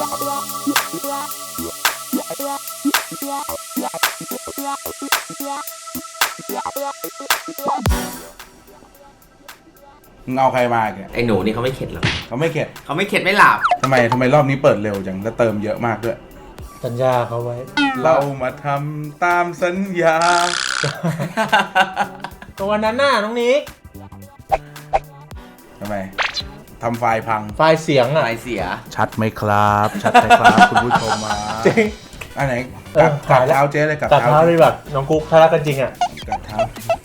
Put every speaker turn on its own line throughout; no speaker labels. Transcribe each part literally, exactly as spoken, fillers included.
มึงเอาใครมาแก
ไอ้หนูนี่เขาไม่เข็ดหรอก
เขาไม่เข็ด
เขาไม่เข็ดไม่หลับ
ทำไมทำไมรอบนี้เปิดเร็วจังแล้วเติมเยอะมากด้วย
สัญญาเขาไว้
เรามาทำตามสัญญา
ตัวนั้นน่ะน้องนิก
ทำไมทำไฟล์พัง
ไฟล์เสียงอ่ะ
ไฟเสีย
ชัดไหมครับชัดไหมครับคุณผู้ชมมา
จริง
อันไหนกับกับเท้าเจ๊เลยกับ
เท้าเลยแบบน้องกุ๊กถ้ารักกันจริงอ่ะ
กับเท้า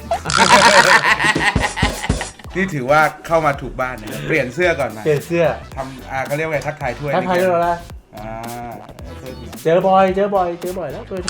นี่ถือว่าเข้ามาถูกบ้านนะเปลี่ยนเสื้อก่อนนะ
เปลี่ยนเสื้อ
ทำอ่าเขาเรียกว่าไงทักทายถ้วย
ทักทายเราละ
อ่า
เจอบ่อยเจอบ่อยเจอบ่อยแล้วเคย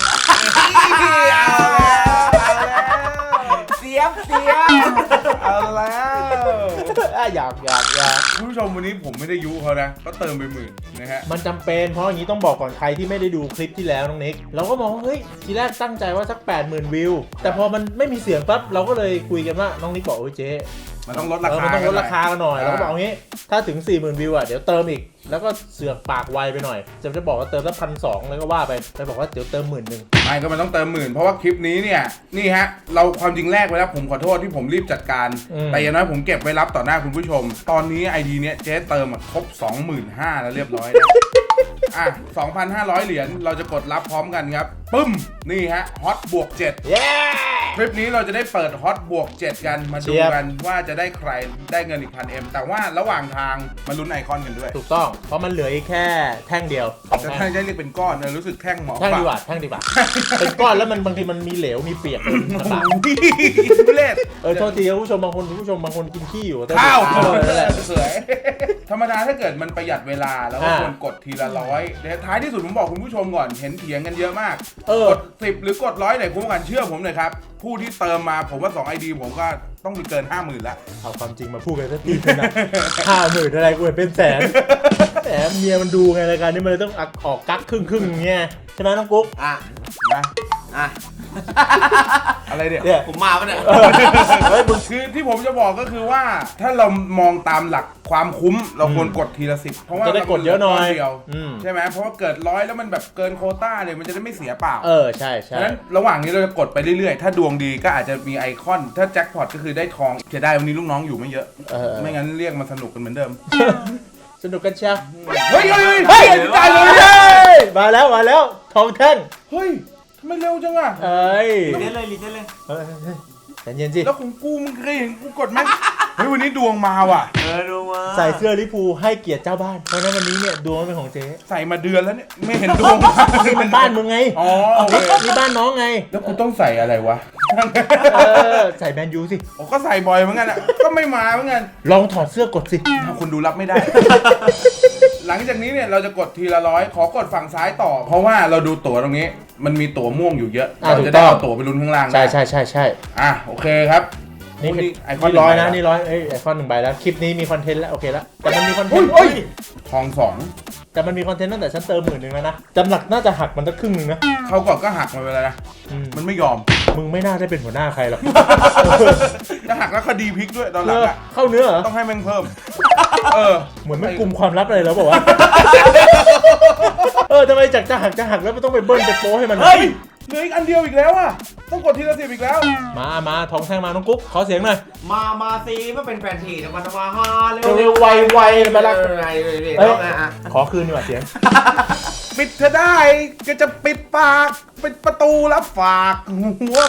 เสียบเสียบ
เอาแล้ว
อยากอยากอยาก
คุณผู้ชมวันนี้ผมไม่ได้ยุเขานะก็เติมไปหมื่นนะฮะ
มันจำเป็นเพราะอย่างนี้ต้องบอกก่อนใครที่ไม่ได้ดูคลิปที่แล้วน้องนิกเราก็มองว่าเฮ้ยทีแรกตั้งใจว่าสัก แปดหมื่น วิวแต่พอมันไม่มีเสียงปั๊บเราก็เลยคุยกันว่าน้องนิกบอกโอ้ยเจ๊
มันต้องลดราคา
มันต้องลดราคากันหน่อยเราก็บอกงี้ถ้าถึง สี่หมื่น วิวอ่ะเดี๋ยวเติมอีกแล้วก็เสือกปากไวไปหน่อยจะจะบอกว่าเติมละพันสองแล้วก็ว่าไปไปบอกว่าเดี๋ยวเติมหมื่นหนึ่ง
ไม่ก็มันต้องเติมหมื่นเพราะว่าคลิปนี้เนี่ยนี่ฮะเราความจริงแรกไปแล้วผมขอโทษที่ผมรีบจัดการแต่อย่างน้อยผมเก็บไว้รับต่อหน้าคุณผู้ชมตอนนี้ไอดีเนี้ยเจ๊เติมครบ สองหมื่นห้าพัน แล้วเรียบร้อยนะอ่ะ สองพันห้าร้อย เหรียญเราจะกดรับพร้อมกันครับปึ้มนี่ฮะฮอตบวกเจ็ด
เย้
คลิปนี้เราจะได้เปิดฮอตบวกเจ็ดกันมาดูกันว่าจะได้ใครได้เงินอีกพันเอ็มแต่ว่าระหว่างทางมาลุ้นไอคอนกันด้วย
ถูกต้องเพราะมันเหลืออีกแค่แท่งเดียว
จะแท่งจะเรียกเป็นก้อนเออรู้สึกแท่งเหมาะ
แท่งดีกว่าแท่งดีกว่าเป็นก้อนแล้วมันบางทีมันมีเหลวมีเปียกลำบาก
เล่น
เออโทษทีคุณผู้ชมบางคนคุณผู้ชมบางคนกินขี้อยู่
ข้าวเสวยธรรมดาถ้าเกิดมันประหยัดเวลาแล้วก็ควรกดทีละร้อยท้ายที่สุดผมบอกคุณผู้ชมก่อนเห็นเถียงกันเยอะมากกดสิบหรือกดร้อยไหนคุ้มกันเชื่อผมเลยครับผู้ที่เติมมาผมว่าสอง ไอ ดี ผมก็ต้องมีเกิน ห้าหมื่น แล้ว
เอาความจริงมาพูดกันสักทีนะ ห้าหมื่น อะไรกูเป็นแสนแหมเมียมันดูไงรายการนี้มันเลยต้องออกกั๊กครึ่งๆอย่างเงี้ยใช่ไหมน้องกุ๊ก
อ่ะ
นะ
อ่ะ
อะไรเนี่ย
ผมมาปะเนี่ย
เฮ้ยคือที่ผมจะบอกก็คือว่าถ้าเรามองตามหลักความคุ้มเราควรกดทีละสิบเพราะว่า
จะได้กดเยอะหน่อย
เดียวใช่ไหมเพราะว่าเกิดร้อยแล้วมันแบบเกินโควต้าเนี่ยมันจะได้ไม่เสียเปล่า
เออใช่ใช่
ฉะนั้นระหว่างนี้เราจะกดไปเรื่อยๆถ้าดวงดีก็อาจจะมีไอคอนถ้าแจ็คพอตก็คือได้ทองจะได้วันนี้ลูกน้องอยู่ไม่เยอะไม่งั้นเรียกมาสนุกกันเหมือนเดิม
สนุกกันเชียว
เฮ้ยเฮ้ย
เฮ้ยตายเลยมาแล้วมาแล้วทองแท่ง
เฮ้ยทำไมเร็วจังอ่ะ
เอ้ย
รีเซ็ตเลยรีเซ็ตเลย
แต่เย็นสิ
แล้วของกูมึงเคยเห็นกูกดไหมเฮ้ยวันนี้ดวงมาว่ะ
เออดวงมา
ใส่เสื้อลิปูให้เกียรติเจ้าบ้านเพราะนั้นวันนี้เนี่ยดวงเป็นของเจ๊
ใส่มาเดือนแล้วเนี่ยไม่เห็นดวง
นี่มันบ้านมึงไง
อ๋อ
นี่บ้านน้องไง
แล้วกูต้องใส่อะไรวะ
เออใส่แมนยูสิ
โอ้ก็ใส่บ่อยเหมือนกันอ่ะก็ไม่มาเหมือนกัน
ลองถอดเสื้อกดสิ
คุณดูรับไม่ได้หลังจากนี้เนี่ยเราจะกดทีละร้อยขอกดฝั่งซ้ายต่อเพราะว่าเราดูตั๋วตรงนี้มันมีตั๋วม่วงอยู่เยอะเราจะได้เอาตั๋วไปลุ้นข้างล่าง
ใช่ใช่ใช่ใช่
อ่ะโอเคครับ
นี่ไอคอนร้อยนะนี่ร้อยเอ้ยไอคอนหนึ่งใบแล้วคลิปนี้มีคอนเทนต์แล้วโอเคแล้วแต่มันมีคอนเทนต์
ทองสอง
แต่มันมีคอนเทนต์ตั้งแต่ฉันเติมหมื่นหนึ่งแล้วนะจำหลักน่าจะหักมันตั้งครึ่งนึงนะ
เขาก่อนก็หักมาไปแล้วนะมันไม่ยอม
มึงไม่น่าได้เป็นหัวหน้าใครหรอก
จะหักแล้วคดีพลิกด้วยตอนหลังอะ
เข้าเนื้อเหรอ
ต้องให้แม่งเพิ่มเออ
เหมือนไม่กลุ่มความลับอะไรแล้วบอกว่าเออทำไมจากจะหักจะหักแล้วไม่ต้องไปเบิ้ลไปโป้ให้มัน
เฮ้ยเหลืออีกอันเดียวอีกแล้วอ่ะต้องกดทีละสิบอีกแล้ว
มามาทองแท่งมาน้องกุ๊กขอเสียงหน่อย
มามาซีมาเป็นแฟนทีจะมาทำมาฮาเร็ว
เร็วไวไวมาละ
เอ้ย
ขอคืนดีกว่าเสียง
ปิดเธอได้ก็จะปิดปากปิดประตูแล้วฝากหัว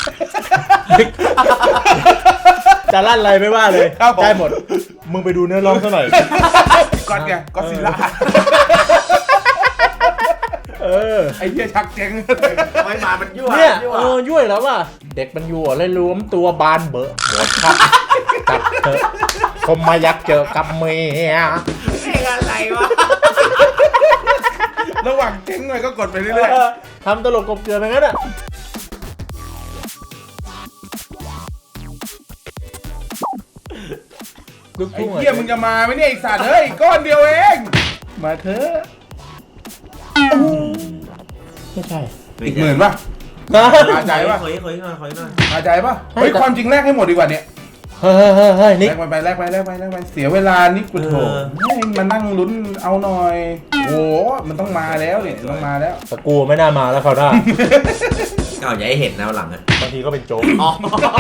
จะลั่นอะไรไม่ว่าเลยได้หมดมึงไปดูเนื้อร้องซะหน่อย
ก่อนไงก็ซิลล่า
เออ
ไอ้เหี้ยชักเจ๊ง
ไม่มามันยั่ว
เนี่ยเออยั่วแล้วว่ะเด็กมันยั่วเลยรวมตัวบานเบอะหมดครับจับเถอะคมมายักเจอกับเมีย
เพลงอะไรวะ
ระหว่างเจ๊งหน่อยก็กดไปเรื่อย
ๆทำตลกกบเกลือไปงั้นอ่ะ
ไอ้เหี้ยมึงจะมาไหมเนี่ยไอ้สัตว์เฮ้ยก้อนเดียวเองมาเถอะ
ไม่ใช่
อีกหมื่นป่ะพาใจป่ะ
ขออีกหน่อยขออีกหน่อย
พาใจป่ะเฮ้ยความจริงแรกให้หมดดีกว่าเนี่ย
เฮ้ยเฮ้ยเฮ้ยเฮ้ยนิก
แลกไปไปแลกไปแลกไปแลกไปเสียเวลานิกกูโถให้มานั่งลุ้นเอาหน่อยโอ้มันต้องมาแล้วเนี่ยต้องมาแล้ว
แต่กูไม่น่ามาแล้วเขาวหน้า
เอาอย่าให้เห็นนะวันหลังอะ
บางทีก็เป็นโจ๊ก
อ๋อ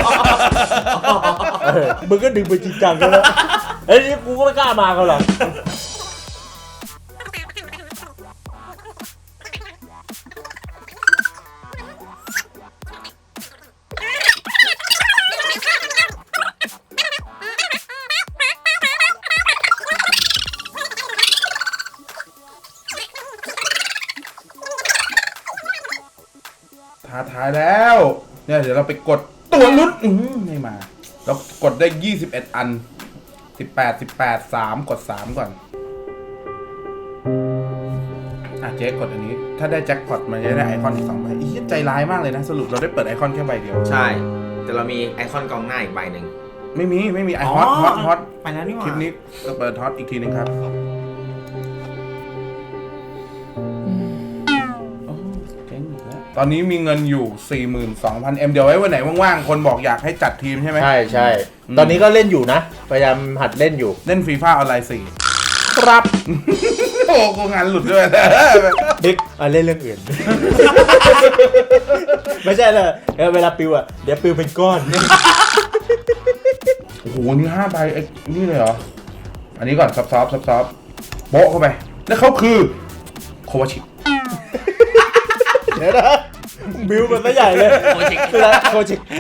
เออมึงก็ดึงไปจริงจังกันแล้วเฮ้ยกูก็ไม่กล้ามาเขาหรอก
ท้าทายแล้วเนี่ยเดี๋ยวเราไปกดตัวลุ้นอื้อหือไม่มาเรากดได้ยี่สิบเอ็ดอันสิบแปด สิบแปด สามกดสามก่อนอ่ะเจ๊กดอันนี้ถ้าได้แจ็คพอตมันจะได้ไอคอนอีกสองใบอีกใจร้ายมากเลยนะสรุปเราได้เปิดไอคอนแค่ใบเดียว
ใช่ แต่เรามีไอคอนกองหน้าอีกใบหนึ่ง
ไม่มีไม่มีไอฮอตฮอตฮอต
ไปแล้วนี่หว่า
คลิปนี้ก็เปิดฮอตอีกทีนึงครับโอ้เจ๊งอีกแล้วตอนนี้มีเงินอยู่ สี่หมื่นสองพัน เอ็ม เดี๋ยวไว้วันไหนว่างๆคนบอกอยากให้จัดทีมใช่ไหม
ใช่ใช่
อืม
ตอนนี้ก็เล่นอยู่นะ พยายามหัดเล่นอยู่
เล่นฟีฟ่าออนไลน์สี่
ครับ
โอ้กูงานหลุดด้วยนะ
ดิกอ่ะเล่นเรื่องอื่น ไม่ใช่เลยเออเวลาปิวอ่ะเดี๋ยวปิวเป็นก้อน
โอ้โหนี่ห้าใบไอ้นี่เลยเหรอ อันนี้ก่อนซับซอฟซับซอฟโบ๊ะเข้าไป แล้วเขาคือโควาชิ
เดี๋ยวนะบิวมันซะใหญ่เลยโคชิกโคชิก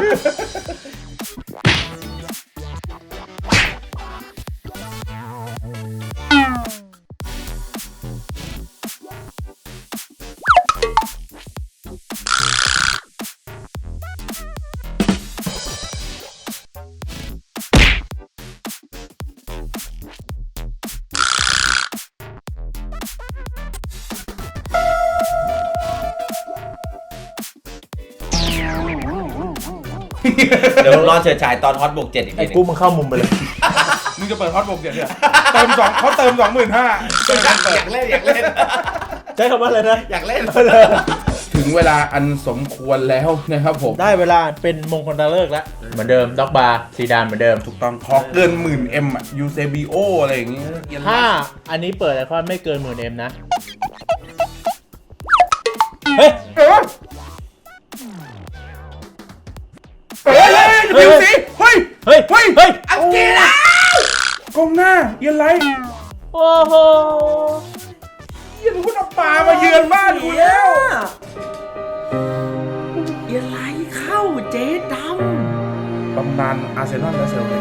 เดี๋ยวรอเฉิดฉายตอนฮอตบวกเจ็ดอีก
ไอ้
ทีหนึ
กู
ง
มึงเข้ามุมไปเลย
มึงจะเปิดฮอตบวกเจ็ดเนี่ยเติมสองเขาเติมสองหมื่นห้า
อยากเล่นอยากเล่น
ใช้คำว่าอะไรนะ
อยากเล่น
ถึงเวลาอันสมควรแล้วนะครับผม
ได้เวลาเป็นมงคลตาเลิกแล้ว เหมือนเดิมด็อกบาร์สีดำเหมือนเดิม
ถูกต้องขอเกินหมื่นเอ็มอะยูเซบีโออะไรอย่างงี้
ถ้าอันนี้เปิดไอคอนไม่เกินหมื่นเอ็มนะ เฮ้ย
เออเฮ้ยเฮ้ยสิเฮ้ย
เฮ้ย
เฮ้ย
เฮ้ย
อังกฤษแล้วกองหน้าเยันไร
โอ้โห
เยันคุณเอาปลามาเยือนบ้านกูแล้ว
อย่าไหลเข้าเจ๊ด
ตำนานอาร์เซนอลและเซลติก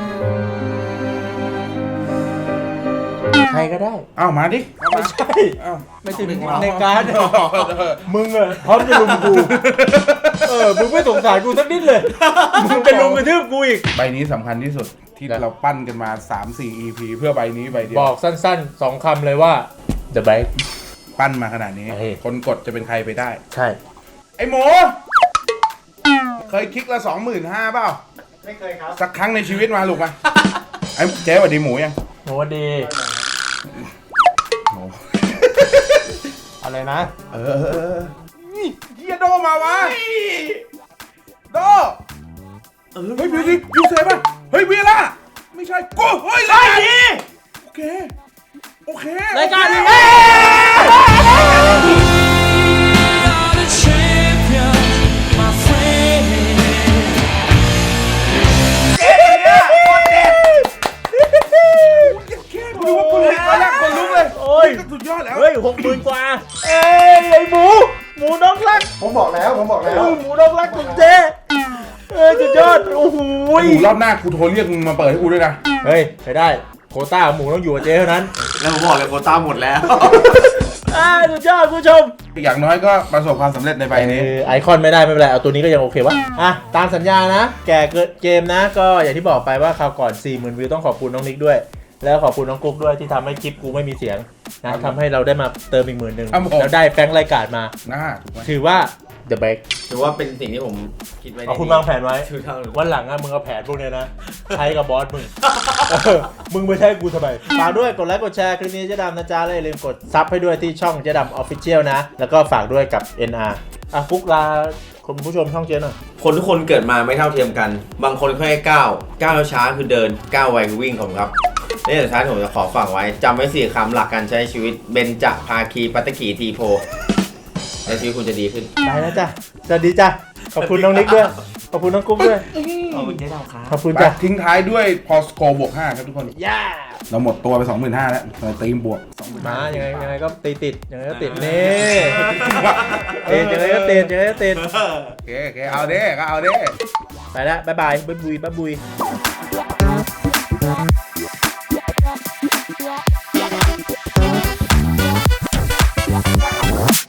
ใครก็ได้
อ้าวมาดิ
ไม่ใช่
อ้าว
ไม่ถึงในการดมึงอะพร้อมจะลุมกู เออ มึงไม่สงสารกูสักนิดเลย มึงเป็นลุมกระทืบกูอีก
ใบนี้สำคัญที่สุดที่เราปั้นกันมา สามสี่ อี พี เพื่อใบนี้ใบเดีย
บ
ว
อกสั้นๆสองคำเลยว่า The Bike
ปั้นมาขนาดนี้
เฮ้ย
คนกดจะเป็นใครไปได้
ใช่
ไอ้หมูเคยคลิกละสองหมื่นห้าเปล่า
ไม่เคยครับ
สักครั้งในชีวิตมาลูกมา ไอ้เจ๊สวัสดีหมูยัง
โหดี
หมู
อะไรนะ
เออเออเออนี่เฮียโดมาวะโด
เออ
เฮ้ยบิวดิยูเซฟป่ะเฮ้ยเวียล่าไม่ใช่กูเฮ้ยรายการนี้โอเคโอเค
รายการนี้
โอเค ดูว่าคนลุกแล้วคนลุกเลย
โอ้ย
นี่ก็สุดยอดแล้ว
เฮ้ยหกหมื่นกว่า เอ้ยไอหมู หมูน้องรัก
ผมบอกแล้วผมบอกแล้ว
เออหมูน้องรักของเจ๊เออสุดยอด โอ้โห
ไอ้หมูรอบหน้ากูโทรเรียกมึงมาเปิดให้กูด้วยนะ
เฮ้ยไปได้ โควต้าหมูต้องอยู่กับเจ๊เท่านั้น
แล้วผมบอกเลยโควต้าหมดแล้ว
อ่าสุดยอดคุณผู้ชม
อย่างน้อยก็ประสบความสำเร็จในใบนี้
เออไอคอนไม่ได้ไม่เป็นไร เอาตัวนี้ก็ยังโอเควะอ่ะ ตามสัญญานะ แก่เกิดเกมนะ ก็อย่างที่บอกไปว่าคราวก่อน สี่หมื่น วิวต้องขอบคุณน้องนิกด้วย แล้วขอบคุณน้องกุ๊กด้วยที่ทำให้คลิปกูไม่มีเสียงนะครับทำให้เราได้มาเติมอีกหมื่นหนึ่ง
ครับผม
แล้วได้แฟรงค์รายการมา
น่าถูกไหม
ถือว่า The Bike
ถือว่าเป็นสิ่งที่ผมคิดไว้ใน
เอาคุณวางแผนไว้
ชื่อเท่าเลย
วันหลังอะมึงเอาแผนพวกเนี้ยนะ ใช้กับบอสมึง เออมึงไปใช้กูทำไมฝากด้วยกดไลค์กดแชร์คลิปนี้เจ๊ดำนะจ๊ะแล้วอย่าลืมกดซับให้ด้วยที่ช่องเจ๊ดำออฟฟิเชียลนะ แล้วก็ฝากด้วยกับ เอ็น อาร์อ่ะฟุกลาคุณผู้ชมช่องเจ๊หน่อย
คนทุกคนเกิดมาไม่เท่าเทียมกัน บางคนแค่ก้าวก้าวช้าคือเดินก้าวไวคือวิ่งผมครับนี่สุดท้ายผมจะขอฝากไว้จำไว้สี่คำหลักการใช้ชีวิตเบญจภาคีปัตตกีทีโพและชีวิตคุณจะดีขึ้น
ไปแล้วจ้ะสวัสดีจ้ะขอบคุณน้องนิกด้วยขอบคุณน้องกุ๊กด้วย
ขอบคุณเจ๊ดาวครับ
ขอบคุณ
ไป
จ้ะ
ทิ้งท้ายด้วยพอสโกบวกห้าครับทุกคน
ย่า
เราหมดตัวไป สองหมื่นห้าพัน แล้วเราตีมบวก สองหมื่นห้าพัน
มายังไงยังไงก็ตีติดยังไงก็ติดนี่ติดยังไงก็ติดยังไงก็ติด
โอเคโอเคเอาเด้ก็เอาเด้
ไปแล้วบ๊ายบายบ๊ายบุยบ๊ายบุย